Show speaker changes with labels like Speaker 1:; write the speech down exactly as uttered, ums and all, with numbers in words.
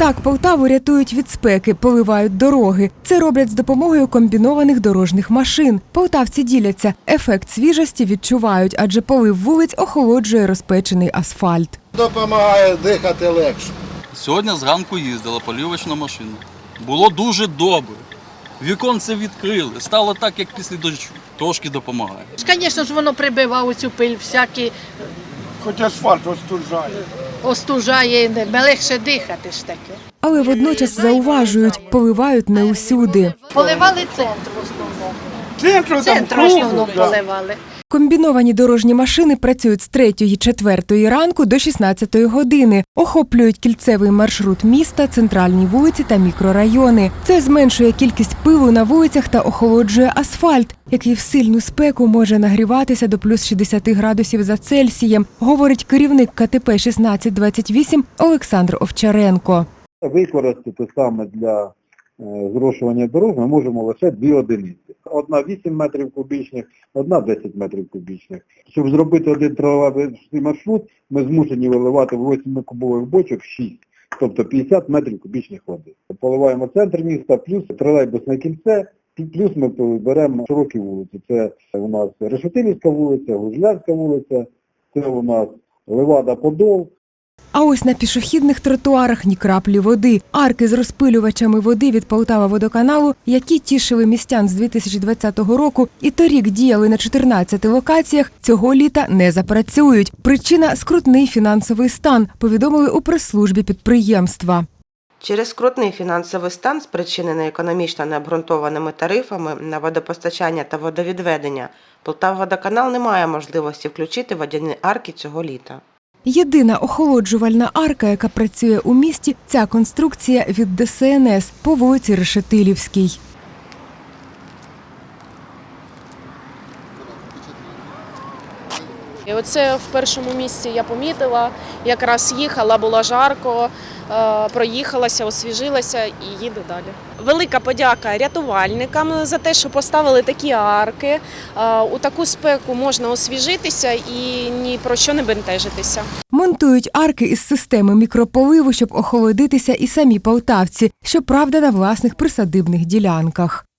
Speaker 1: Так Полтаву рятують від спеки, поливають дороги. Це роблять з допомогою комбінованих дорожніх машин. Полтавці діляться. Ефект свіжості відчувають, адже полив вулиць охолоджує розпечений асфальт.
Speaker 2: Допомагає дихати легше.
Speaker 3: Сьогодні зранку їздила полівочна машина. Було дуже добре. Віконце відкрили, стало так, як після дощу. Трошки допомагає.
Speaker 4: Звісно ж, воно прибиває цю пиль, всякі
Speaker 2: Хоч асфальт остужає.
Speaker 4: остужає, легше дихати ж таке.
Speaker 1: Але водночас зауважують, поливають не усюди.
Speaker 4: Поливали центр в основному.
Speaker 2: Центру там
Speaker 4: Центр в основному поливали.
Speaker 1: Комбіновані дорожні машини працюють з третьої-четвертої ранку до шістнадцятої години. Охоплюють кільцевий маршрут міста, центральні вулиці та мікрорайони. Це зменшує кількість пилу на вулицях та охолоджує асфальт, який в сильну спеку може нагріватися до плюс шістдесят градусів за Цельсієм, говорить керівник ка те пе шістнадцять двадцять вісім Олександр Овчаренко.
Speaker 5: Використати саме для зрошування дорог ми можемо лише дві одиниці. Одна вісім метрів кубічних, одна десять метрів кубічних. Щоб зробити один тролейбусний маршрут, ми змушені виливати в восьмикубових бочок шість, тобто п'ятдесят метрів кубічних води. Поливаємо центр міста, плюс тролейбусне кільце, плюс ми беремо широкі вулиці. Це у нас Решетилівська вулиця, Гужлярська вулиця, це у нас Левада-Подол.
Speaker 1: А ось на пішохідних тротуарах ні краплі води. Арки з розпилювачами води від Полтава-водоканалу, які тішили містян з дві тисячі двадцятого року і торік діяли на чотирнадцяти локаціях, цього літа не запрацюють. Причина – скрутний фінансовий стан, повідомили у прес-службі підприємства.
Speaker 6: Через скрутний фінансовий стан, спричинений економічно необґрунтованими тарифами на водопостачання та водовідведення, Полтава-водоканал не має можливості включити водяні арки цього літа.
Speaker 1: Єдина охолоджувальна арка, яка працює у місті – ця конструкція від де ес ен ес по вулиці Решетилівській.
Speaker 7: І оце в першому місці я помітила, якраз їхала, було жарко, проїхалася, освіжилася і їду далі. Велика подяка рятувальникам за те, що поставили такі арки. У таку спеку можна освіжитися і ні про що не бентежитися.
Speaker 1: Монтують арки із системи мікрополиву, щоб охолодитися і самі полтавці, щоправда, на власних присадибних ділянках.